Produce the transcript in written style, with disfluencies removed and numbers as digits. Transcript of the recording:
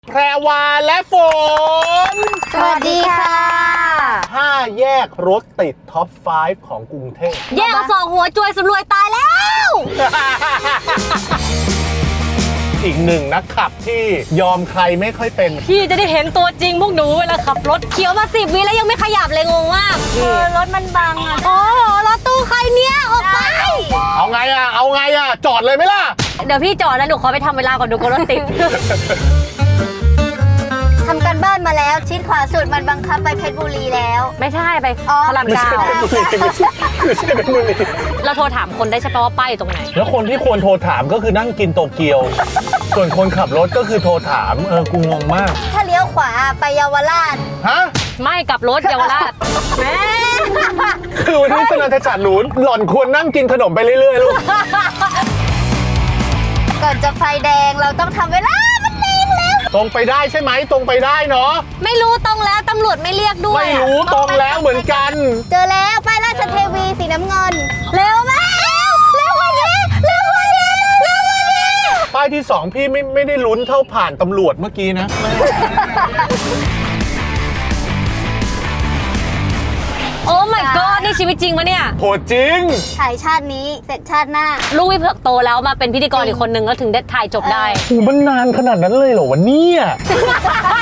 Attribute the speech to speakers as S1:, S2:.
S1: แพรวาและฝน
S2: สวัสดีค่ะ
S1: 5แยกรถติดท็อป 5 ของกรุงเทพ
S2: แยกสองหัวจวยสำรวยตายแล้ว
S1: อีกหนึ่งนักขับที่ยอมใครไม่ค่อยเป็น
S2: พี่จะได้เห็นตัวจริงพวกหนูเวลาขับรถเขียวมา10 วิแล้วยังไม่ขยับเลยงงมากรถมันบังอ่ะโอ้โหรถตู้ใครเนี่ยออกไป
S1: เอาไงอ่ะ จอดเลยไหมล่ะ
S2: เดี๋ยวพี่จอดแล้วหนูขอไปทำเวลาก่อนดูกรถติด
S3: ทำกันบ้านมาแล้วชิดขวาสุดมันบังคับไปเพชรบุรีแล้ว
S2: ไม่ใช่ไป
S3: อ๋อ
S2: พระราม
S1: ไม่
S2: เก้า
S1: ใช่เป็นบุรีไม่ใช่เป็นบุรี
S2: เราโทรถามคนได้ใช่ปะว่าป้ายอยู่ตรงไหน
S1: แล้วคนที่ควรโทรถามก็คือนั่งกินโตเกียว ส่วนคนขับรถก็คือโทรถามกูงงมาก
S3: ถ้าเลี้ยวขวาไปเยาวราช
S1: ฮะ
S2: ไม่กลับรถเยาวราชแม่
S1: คือวันนี้สนันทจัดหลุนหล่อนควรนั่งกินขนมไปเรื่อยๆลูก
S3: ก่อนจะไฟแดงเราต้องทำเวลามันแดงแล้ว
S1: ตรงไปได้ใช่ไหมตรงไปได้เนาะ
S2: ไม่รู้ตรงแล้วตำรวจไม่เรียกด้วย
S1: ไม่รู้ตรงแล้วเหมือนกัน
S3: เจอแล้วป้ายราชเทวีสีน้ำเงิน เร็วมากเร็วกว่านี้เร็วกว่านี้เร็วกว่านี้
S1: ป้ายที่ 2 พี่ไม่ได้ลุ้นเท่าผ่านตำรวจเมื่อกี้นะ
S2: โอ้ my god นี่ชีวิตจริงปะเนี่ย
S1: โหจริง
S3: ถ่ายชาตินี้เสร็จชาติหน้า
S2: ลูกวิเผือกโตแล้วมาเป็นพิธีกรอีกคนนึงแล้วถึงได้ถ่ายจบได้
S1: โหมันนานขนาดนั้นเลยเหรอวะเนี่ย